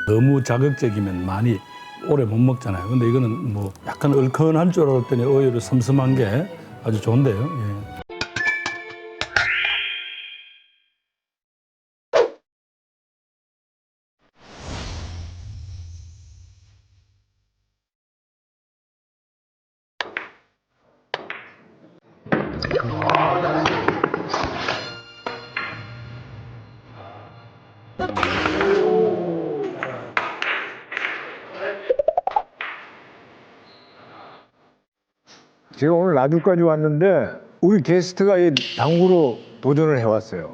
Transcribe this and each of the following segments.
너무 자극적이면 많이 오래 못 먹잖아요. 근데 이거는 뭐 약간 얼큰할 줄 알았더니 오히려 섬섬한 게 아주 좋은데요. 예. 제가 오늘 나주까지 왔는데 우리 게스트가 이 당구로 도전을 해왔어요.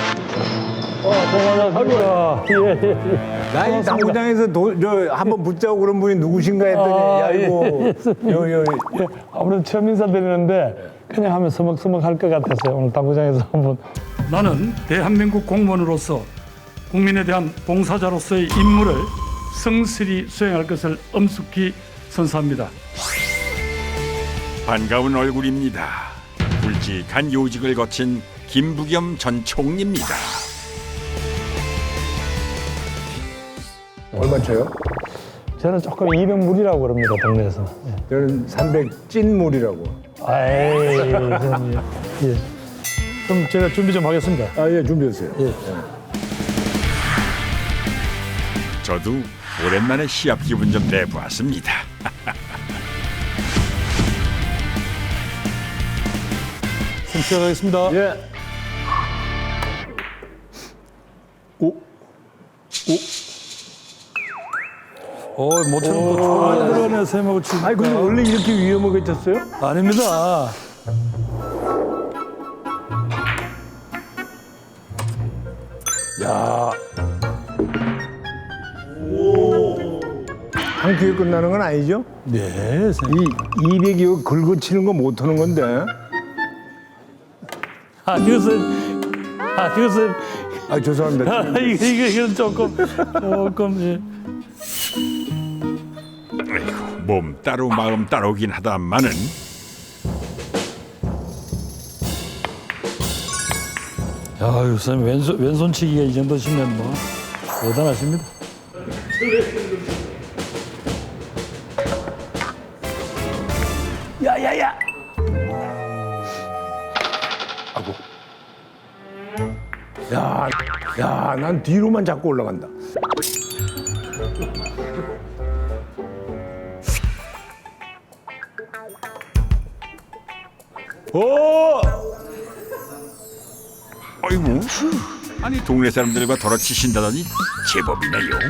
아이고야. 나 이 당구장에서 한번 붙자고 그런 분이 누구신가 했더니 야 이거 예, 아무래도 처음 인사드리는데 그냥 하면 서먹서먹 할 것 같았어요. 오늘 당구장에서 한번. 나는 대한민국 공무원으로서 국민에 대한 봉사자로서의 임무를 성실히 수행할 것을 엄숙히 선사합니다. 반가운 얼굴입니다. 굵직한 요직을 거친 김부겸 전 총리입니다. 얼마 쳐요? 저는 조금 200물이라고 그럽니다, 동네에서. 예. 저는 300 찐물이라고. 아이, 저는 예. 그럼 제가 준비 좀 하겠습니다. 아 예 준비했어요. 예. 저도 오랜만에 시합 기분 좀 내보았습니다. 좀 시작하겠습니다. 예. 오. 모처럼 또 좋아하는 들어가네, 쌤하고 치니까. 아니 근데 원래 이렇게 위험하게 쳤어요? 아닙니다. 야. 한 큐에 끝나는 건 아니죠? 네, 쌤. 이 200이 긁어치는 거 못 하는 건데. 이것은, 아 죄송합니다. 이건 조금, 예. 아이고, 몸 따로 마음 따로긴 하다마는 아유, 쌤, 왼손치기가 이 정도시면 뭐, 대단하십니다. 야야야! 야, 난 뒤로만 자꾸 올라간다. 오! 아이고, 아니 동네 사람들과 덜어치신다더니 제법이네요.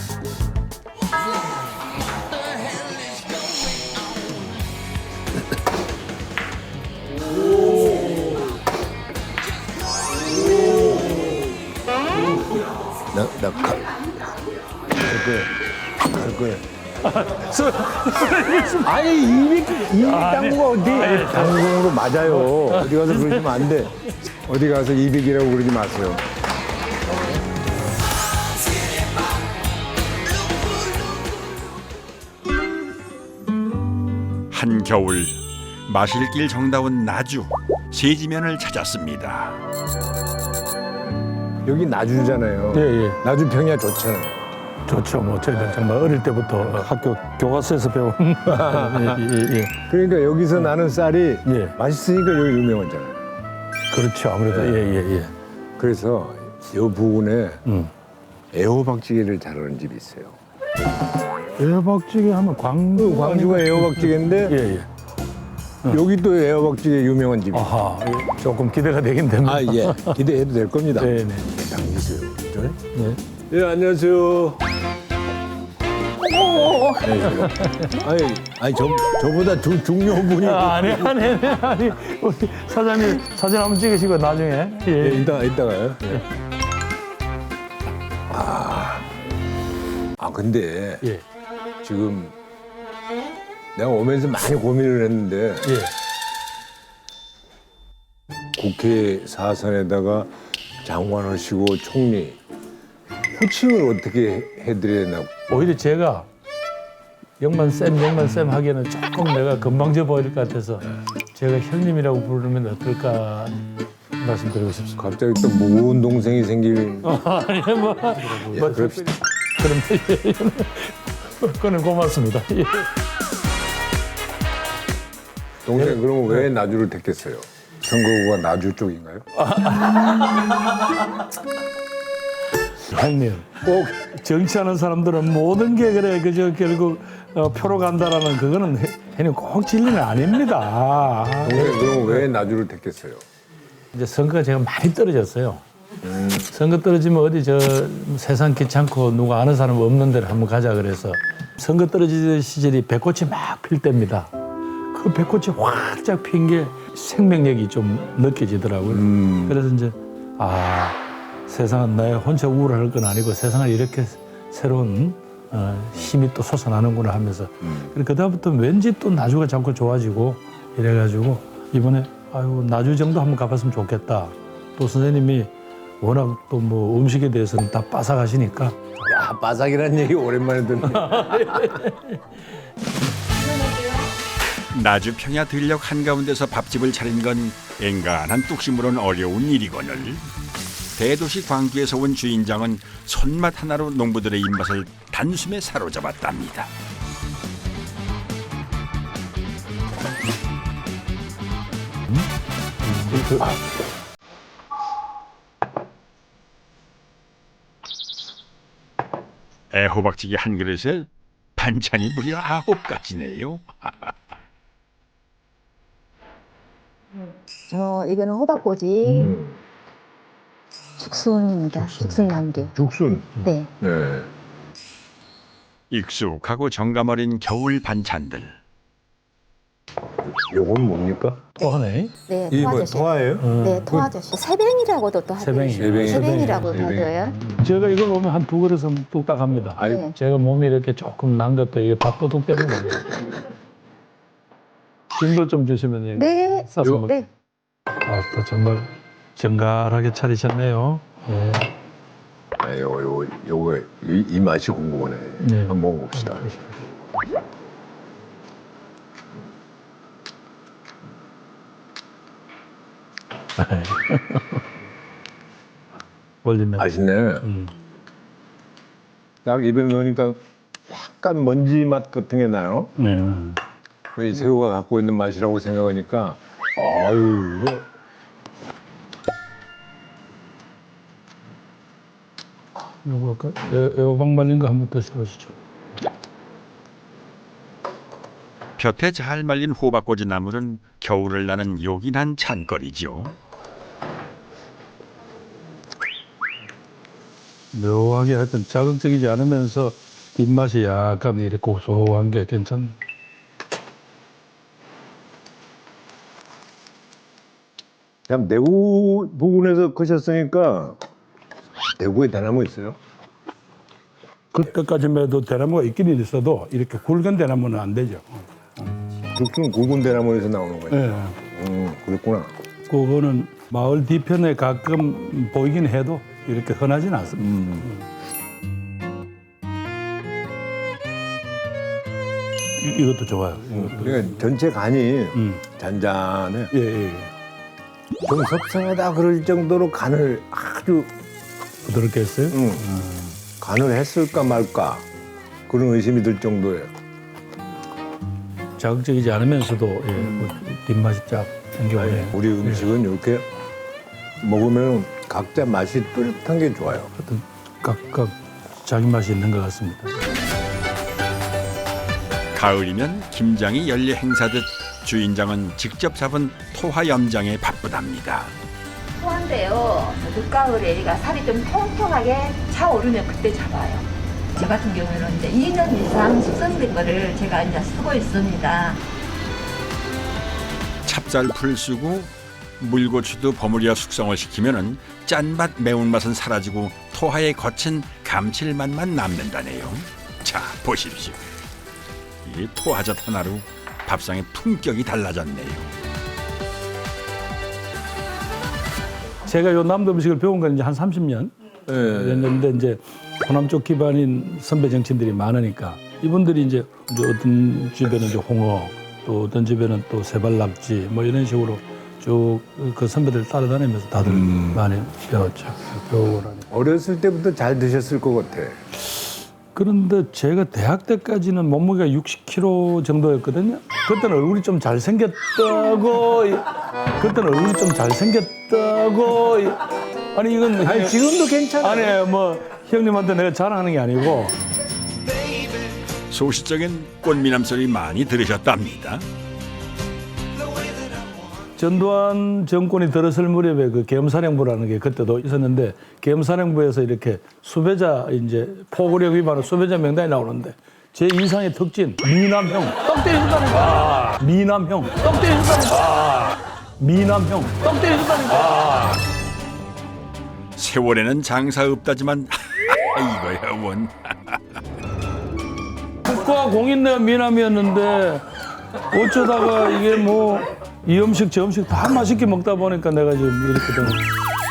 갈 거야. 아니 200 당구가 어디 당구로 맞아요. 어디 가서 그러시면 안 돼. 어디 가서 200이라고 그러지 마세요. 한겨울 마실 길 정다운 나주 세지면을 찾았습니다. 여기 나주잖아요. 예, 예. 나주 평야 좋잖아요. 좋죠. 뭐, 저희는 정말 어릴 때부터 학교 교과서에서 배운. 예. 그러니까 여기서 나는 쌀이 예. 맛있으니까 여기 유명하잖아요. 그렇죠. 아무래도, 예. 그래서 이 부근에 애호박찌개를 잘하는 집이 있어요. 애호박찌개 하면 광주가 애호박찌개인데 예. 여기 또 애호박찌개 유명한 집이 있어요. 아하, 조금 기대가 되긴 됩니다. 아, 예. 기대해도 될 겁니다. 네. 당기세요. 네. 예, 안녕하세요. 아니, 저보다 중요분이. 아니. 우리 사장님 사진 한번 찍으시고 나중에. 예, 이따가요. 예. 근데 예. 지금 내가 오면서 많이 고민을 했는데 예. 국회 사선에다가 장관하시고 총리 호칭을 어떻게 해드려야 되나. 오히려 제가 영만쌤 하기에는 조금 내가 건방져 보일 것 같아서 제가 형님이라고 부르면 어떨까 말씀드리고 싶습니다. 갑자기 또 무거운 동생이 생길. 아니 뭐 예, 그럽시다. 그런데 그건 고맙습니다. 예. 동생 그러면 왜 나주를 택했어요? 선거구가 나주 쪽인가요? 형님, 꼭 정치하는 사람들은 모든 게 그래 그저 결국 표로 간다라는 그거는 형님 꼭 진리는 아닙니다. 동생 그러면 왜 나주를 택했어요? 이제 선거가 제가 많이 떨어졌어요. 선거 떨어지면 어디 저 세상 귀찮고 누가 아는 사람 없는 데를 한번 가자 그래서 선거 떨어지던 시절이 배꽃이 막 필 때입니다. 그 배꽃이 활짝 핀 게 생명력이 좀 느껴지더라고요. 그래서 이제 세상은 나의 혼자 우울할 건 아니고 세상은 이렇게 새로운 힘이 또 솟아나는구나 하면서 그다음부터 왠지 또 나주가 자꾸 좋아지고 이래가지고 이번에 나주 정도 한번 가봤으면 좋겠다. 또 선생님이 워낙 또 뭐 음식에 대해서는 다 빠삭하시니까 야, 바삭이라는 얘기 오랜만에 듣네. 나주 평야 들녘 한가운데서 밥집을 차린 건 엔간한 뚝심으로는 어려운 일이거늘 대도시 광주에서 온 주인장은 손맛 하나로 농부들의 입맛을 단숨에 사로잡았답니다. 애호박찌개 한 그릇에 반찬이 무려 9가지네요. 이거는 호박꼬지 죽순입니다. 죽순남기. 죽순. 네. 네. 익숙하고 정감 어린 겨울 반찬들. 요건 뭡니까? 또 하네. 네, 이게 뭐 토아저씨. 통화예요? 네, 토아저씨. 새뱅이라고도 또 하죠. 새뱅이. 새뱅이라고 새뱅이. 하죠. 제가 이걸 보면 한 2그릇은 뚝딱 합니다. 아이, 네. 제가 몸이 이렇게 조금 난 것도 이게 밥도둑 때문에 김도 좀 주시면 네. 싸서 먹. 네. 또 정말 정갈하게 차리셨네요. 예. 요거 이 맛이 궁금하네. 네. 한번 먹어봅시다. 올리면. 맛있네. 딱 입에 넣으니까 약간 먼지 맛 같은 게 나요. 네. 이 새우가 갖고 있는 맛이라고 생각하니까 아유 이거 요거 아까 애호박 말린 거 한번 드셔보시죠. 볕에 잘 말린 호박꼬지 나물은 겨울을 나는 요긴한 찬거리죠. 묘하게 하여튼 자극적이지 않으면서 입맛이 약간 이렇게 고소한 게 괜찮네. 그냥 대구 부근에서 크셨으니까 대구에 대나무 있어요? 그때까지만 해도 대나무가 있기는 있어도 이렇게 굵은 대나무는 안 되죠. 죽순 굵은 대나무에서 나오는 거예요. 네. 그렇구나. 그거는 마을 뒤편에 가끔 보이긴 해도 이렇게 흔하진 않습니다. 이것도 좋아요. 이것도. 그러니까 전체 간이 잔잔해. 예. 좀 섭섭하다 그럴 정도로 간을 아주 부드럽게 했어요. 간을 했을까 말까 그런 의심이 들 정도예요. 자극적이지 않으면서도 뭐 뒷맛이 쫙 생겨오네. 우리 음식은 이렇게 먹으면 각자 맛이 뚜렷한 게 좋아요. 하여튼 각각 자기 맛이 있는 것 같습니다. 가을이면 김장이 연례 행사듯 주인장은 직접 잡은 토화 염장에 바쁘답니다. 토한데요. 늦가을에 얘가 살이 좀 통통하게 차오르면 그때 잡아요. 저 같은 경우에는 이제 2년 이상 숙성된 거를 제가 이제 쓰고 있습니다. 찹쌀풀 쓰고 물고추도 버무려 숙성을 시키면은 짠맛 매운맛은 사라지고 토화의 거친 감칠맛만 남는다네요. 자 보십시오. 이 토화젓 하나로 밥상의 품격이 달라졌네요. 제가 요 남도 음식을 배운 건 이제 한 30년 네. 됐는데 이제 호남 쪽 기반인 선배 정치인들이 많으니까 이분들이 이제 어떤 집에는 이제 홍어 또 어떤 집에는 또 세발낙지 뭐 이런 식으로 쭉 그 선배들 따라다니면서 다들 많이 배웠죠. 배우고 나니. 어렸을 때부터 잘 드셨을 것 같아. 그런데 제가 대학 때까지는 몸무게가 60kg 정도였거든요. 그때는 얼굴이 좀 잘생겼다고. 그때는 얼굴이 좀 잘생겼다고. 아니 이건 아니 지금도 괜찮아요. 아니 뭐 형님한테 내가 자랑하는 게 아니고. 소시적인 꽃미남 소리 많이 들으셨답니다. 전두환 정권이 들어설 무렵에 그 계엄사령부라는 게 그때도 있었는데 계엄사령부에서 이렇게 수배자 이제 포고력 위반으로 수배자 명단이 나오는데 제 인상의 특징 미남형 떡 때리셨다니까. 미남형 떡 때리셨다니까. 미남형 떡 때리셨다니까. 세월에는 장사 없다지만 이거야 원. 국가 공인내 미남이었는데 어쩌다가 이게 뭐 이 음식 저 음식 다 맛있게 먹다 보니까 내가 지금 이렇게 된 거야.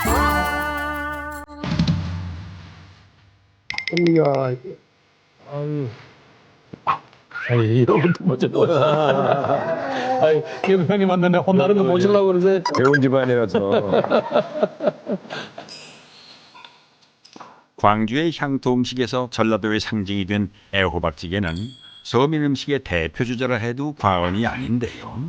이야, 아유. 아이, 이런 것도 먼저 놓아. 아이, 기업 형님한테 내가 혼나는 거 보시려고 그러세요? 배운 집안이라서. 광주의 향토 음식에서 전라도의 상징이 된 애호박찌개는 서민 음식의 대표 주자라 해도 과언이 아닌데요.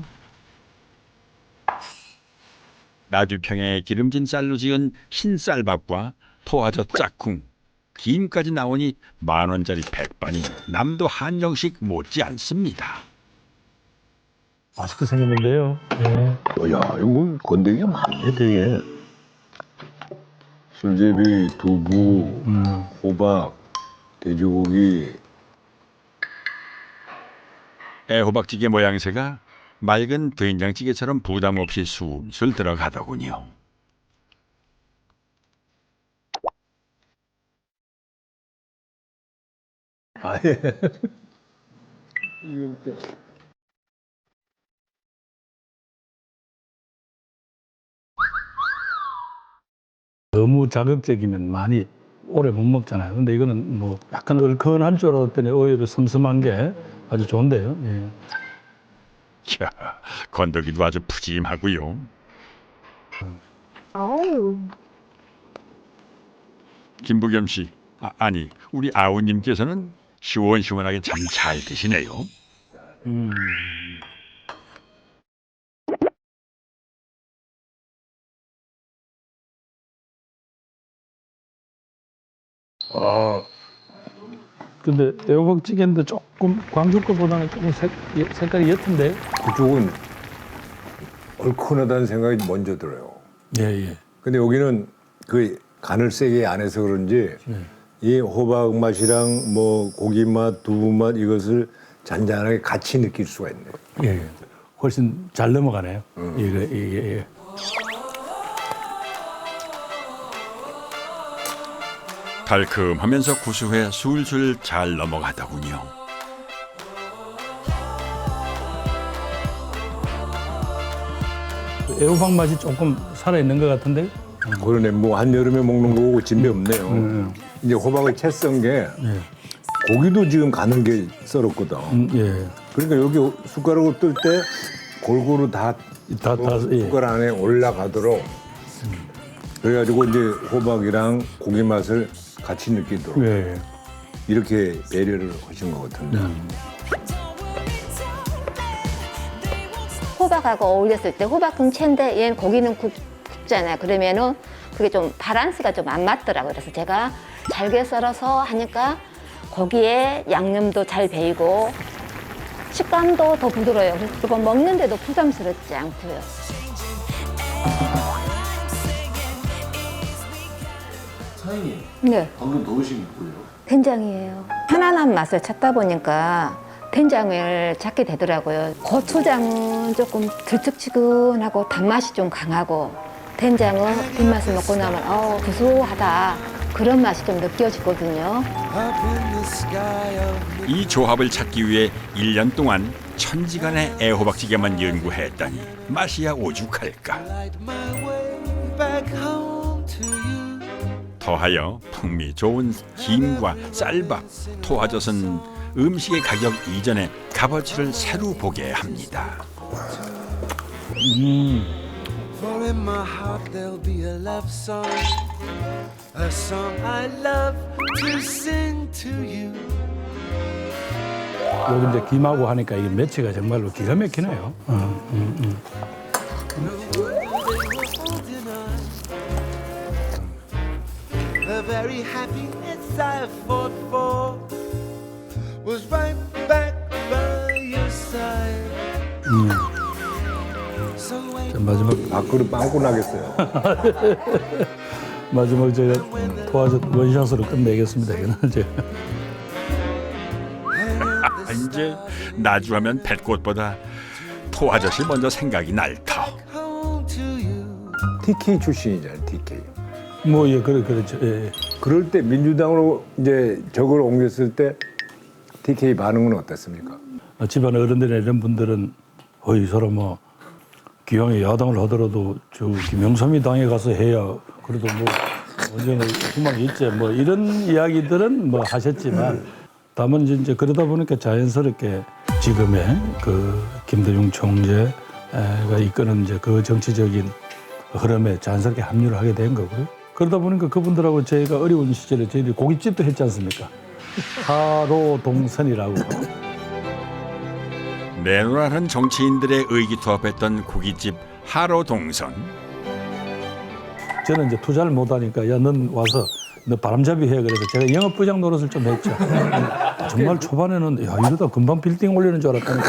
나주평의 기름진 쌀로 지은 흰쌀밥과 토화젓 짝꿍, 김까지 나오니 10,000원짜리 백반이 남도 한정식 못지 않습니다. 맛있게 생겼는데요. 네. 야, 이거 건더기가 많네, 되게. 술제비, 두부, 호박, 돼지고기. 애호박찌개 모양새가 맑은 된장찌개처럼 부담 없이 술술 들어가더군요. 아, 예. 너무 자극적이면 많이 오래 못 먹잖아요. 근데 이거는 뭐 약간 얼큰할 줄 알았더니 오히려 슴슴한 게 아주 좋은데요. 예. 이야, 건더기도 아주 푸짐하고요. 김부겸 씨, 아니 우리 아우님께서는 시원시원하게 참 잘 드시네요. 근데 애호박찌개인데 조금 광주 거보다는 조금 색깔이 옅은데. 그쪽은 얼큰하다는 생각이 먼저 들어요. 예, 예. 근데 여기는 그 간을 세게 안 해서 그런지 이 호박 맛이랑 뭐 고기 맛, 두부 맛 이것을 잔잔하게 같이 느낄 수가 있네. 예, 예. 훨씬 잘 넘어가네요. 예. 달콤하면서 구수해 술술 잘 넘어가더군요. 애호박 맛이 조금 살아있는 것 같은데. 그러네. 뭐 한여름에 먹는 거고 진배 없네요. 이제 호박을 채 썬 게 고기도 지금 가는 게 썰었거든. 예. 그러니까 여기 숟가락으로 뜰 때 골고루 다 예. 숟가락 안에 올라가도록 그래가지고 이제 호박이랑 고기 맛을 같이 느끼도록 예. 이렇게 배려를 하신 것 같은데. 호박하고 어울렸을 때 호박은 채인데 얘는 고기는 굽잖아요. 그러면은 그게 좀 밸런스가 좀 안 맞더라고요. 그래서 제가 잘게 썰어서 하니까 고기에 양념도 잘 배이고 식감도 더 부드러워요. 그리고 먹는데도 부담스럽지 않고요. 사장님, 네, 방금 넣으신 게 뭐예요? 된장이에요. 편안한 맛을 찾다 보니까 된장을 찾게 되더라고요. 고추장은 조금 들쭉지근하고 단맛이 좀 강하고 된장은 뒷맛을 먹고 나면 구수하다 그런 맛이 좀 느껴지거든요. 이 조합을 찾기 위해 1년 동안 천지간의 애호박찌개만 연구했다니 맛이야 오죽할까. 더하여 풍미 좋은 김과 쌀밥, 토화젓은 음식의 가격 이전에 값어치를 새로 보게 합니다. For in my heart there'll be a love song, a song I love to sing to you. 여기 이제 김하고 하니까 이게 매치가 정말로 기가 막히네요. The very happiness I fought for was right back by your side. So wait. 자, 마지막 밥그릇 빵꾸 나겠어요. 제가 도와줘 원샷으로 끝내겠습니다. 이거는 이제 이제 나주하면 뱃꽃보다 토 아저씨 먼저 생각이 날 터. home to you. TK 출신이잖아요. TK. 뭐 예 그렇죠. 예. 그럴 때 민주당으로 이제 적을 옮겼을 때 TK 반응은 어땠습니까? 집안 어른들이나 이런 분들은 이 사람 뭐 기왕에 야당을 하더라도 저 김영삼이 당에 가서 해야 그래도 뭐 언제나 희망이 있지 뭐 이런 이야기들은 뭐 하셨지만 다만 이제 그러다 보니까 자연스럽게 지금의 그 김대중 총재가 이끄는 이제 그 정치적인 흐름에 자연스럽게 합류를 하게 된 거고요. 그러다 보니까 그분들하고 저희가 어려운 시절에 저희들이 고깃집도 했지 않습니까? 하로 동선이라고. 내노라는 정치인들의 의기투합했던 고깃집 하로동선. 저는 이제 투자를 못하니까 야 넌 와서 너 바람잡이 해 그래서 제가 영업부장 노릇을 좀 했죠. 정말 초반에는 야 이러다 금방 빌딩 올리는 줄 알았다니까.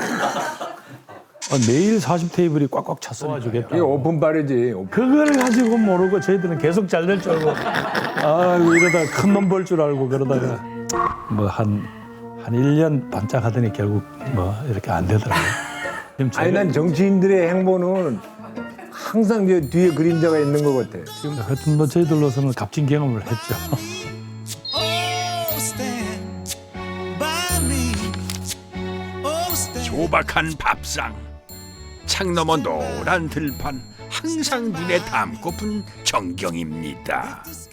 매일 40테이블이 꽉꽉 찼어요. 이게 오픈바르지. 그걸 가지고 모르고 저희들은 계속 잘 될 줄 알고 이러다 큰 놈 벌 줄 알고 그러다가 뭐 한 1년 반짝 하더니 결국 뭐 이렇게 안 되더라고요. 아니 난 정치인들의 행보는 항상 저 뒤에 그림자가 있는 것 같아. 하여튼 뭐 저희들로서는 값진 경험을 했죠. Oh, stand by me. Oh, stand. 조박한 밥상, 창 너머 노란 들판, 항상 눈에 담고픈 전경입니다.